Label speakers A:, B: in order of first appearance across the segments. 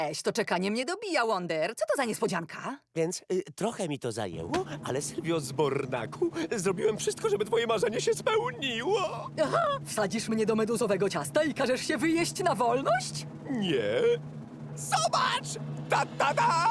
A: To czekanie mnie dobija, Wonder. Co to za niespodzianka?
B: Więc trochę mi to zajęło, ale Sylwio z Bornaku, zrobiłem wszystko, żeby twoje marzenie się spełniło.
A: Aha, wsadzisz mnie do meduzowego ciasta i każesz się wyjeść na wolność?
B: Nie. Zobacz! Ta, ta, ta!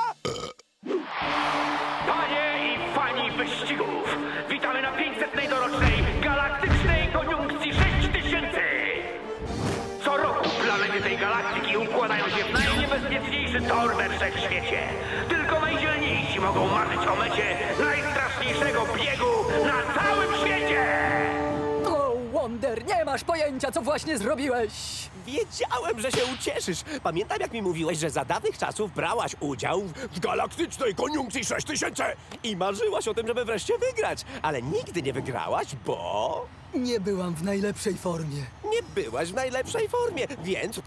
C: Panie i fani wyścigów, witamy na 500. dorocznej galaktycznej koniunkcji 6000! Co roku planety tej galaktyki układają się w najniebezpieczniejszy tor we wszechświecie. Tylko najdzielniejsi mogą marzyć o mecie najstraszniejszego biegu na całym świecie!
A: O, Wonder, nie masz pojęcia, co właśnie zrobiłeś!
B: Wiedziałem, że się ucieszysz. Pamiętam, jak mi mówiłeś, że za dawnych czasów brałaś udział w galaktycznej koniunkcji 6000 i marzyłaś o tym, żeby wreszcie wygrać. Ale nigdy nie wygrałaś, bo
A: Nie byłam w najlepszej formie.
B: nie byłaś w najlepszej formie, więc...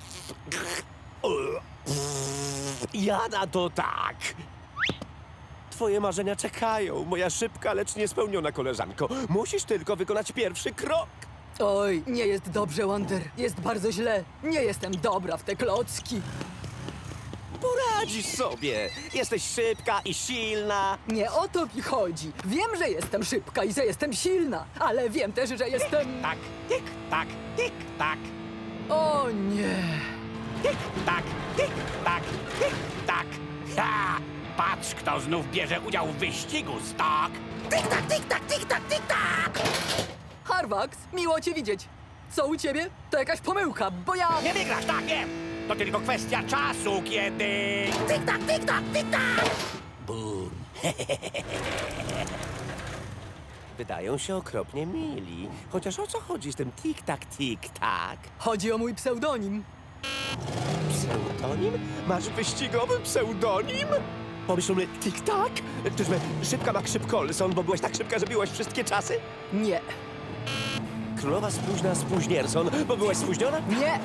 B: Ja na to tak. Twoje marzenia czekają, moja szybka, lecz niespełniona koleżanko. Musisz tylko wykonać pierwszy krok.
A: Oj, nie jest dobrze, Wonder. Jest bardzo źle. Nie jestem dobra w te klocki.
B: Poradzisz sobie. Jesteś szybka i silna.
A: Nie o to mi chodzi. Wiem, że jestem szybka i że jestem silna, ale wiem też, że jestem...
B: Tak, tik, tak, tik, tak,
A: O nie.
B: tik, tak, tik, tak, tik, tak. Ha! Patrz, kto znów bierze udział w wyścigu, Stok. Tik, tak, tik, tak, tik, tak, tik, tak.
A: Harvax, miło cię widzieć. Co u ciebie? To jakaś pomyłka, bo ja...
B: Nie wygrasz, tak, wiem. To tylko kwestia czasu, kiedy... Tik, tak, tik, tak, tik, tak. Bum. Wydają się okropnie mili. Chociaż o co chodzi z tym tik, tak, tik, tak?
A: Chodzi o mój pseudonim.
B: Pseudonim? Masz wyścigowy pseudonim? Pomyślmy, tik-tak? Czyżby szybka jak Szybkolson, bo byłaś tak szybka, że biłaś wszystkie czasy?
A: Nie.
B: Królowa spóźna Spóźnierson, bo byłaś spóźniona?
A: Nie.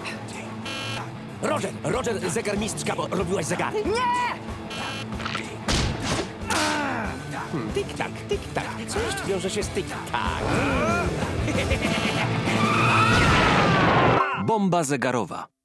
B: Roger, zegarmistrzka, bo robiłaś zegary?
A: Nie!
B: Tik-tak, tik-tak. Co jeszcze wiąże się z tik-tak?
D: Bomba zegarowa.